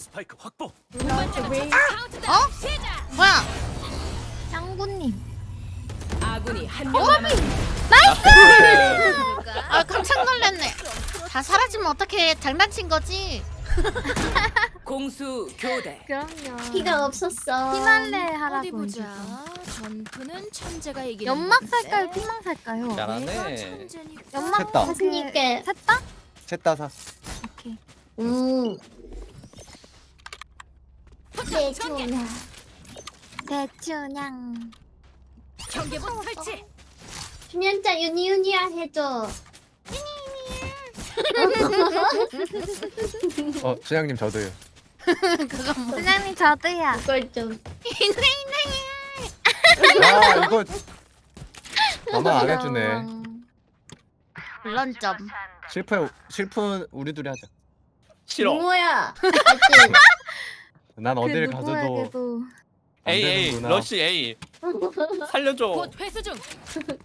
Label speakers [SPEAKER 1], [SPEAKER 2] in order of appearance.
[SPEAKER 1] 스파이크 확보.
[SPEAKER 2] 뭐야?
[SPEAKER 3] 짱구님.
[SPEAKER 4] 아군이 한 명 남았습니다.
[SPEAKER 2] 아 깜짝 놀랐네. 다 사라지면 어떻게 장난친 거지?
[SPEAKER 4] 공수 교대.
[SPEAKER 3] 그럼요.
[SPEAKER 5] 피가 없었어.
[SPEAKER 3] 피날레 하라고.
[SPEAKER 4] 어디 보자.
[SPEAKER 3] 해주죠.
[SPEAKER 4] 전투는 천재가 이기는
[SPEAKER 3] 연막
[SPEAKER 4] 건데.
[SPEAKER 3] 살까요? 피망 살까요?
[SPEAKER 4] 내가
[SPEAKER 6] 잘하네.
[SPEAKER 4] 천재니까.
[SPEAKER 3] 연막
[SPEAKER 6] 셋다.
[SPEAKER 5] 자신있게.
[SPEAKER 3] 셋 다?
[SPEAKER 6] 셋다사.
[SPEAKER 3] 오케이.
[SPEAKER 5] 네, 좋냐.
[SPEAKER 3] 대추냥.
[SPEAKER 4] 경계복 설치.
[SPEAKER 5] 준현자 유니유니야 해줘.
[SPEAKER 6] 준양님 저도요.
[SPEAKER 2] 그건 뭐?
[SPEAKER 3] 사장님 저도요.
[SPEAKER 5] 그걸 좀.
[SPEAKER 6] 아 이거 아마 안 해주네.
[SPEAKER 2] 물론 점.
[SPEAKER 6] 실프 우리 둘이 하자.
[SPEAKER 1] 싫어.
[SPEAKER 5] 뭐야? 맞지?
[SPEAKER 6] 난 어딜 가서도
[SPEAKER 3] 누구에게도
[SPEAKER 6] 안
[SPEAKER 1] A A
[SPEAKER 6] 되는구나.
[SPEAKER 1] 러시 A. 살려줘.
[SPEAKER 4] 곧 회수 중.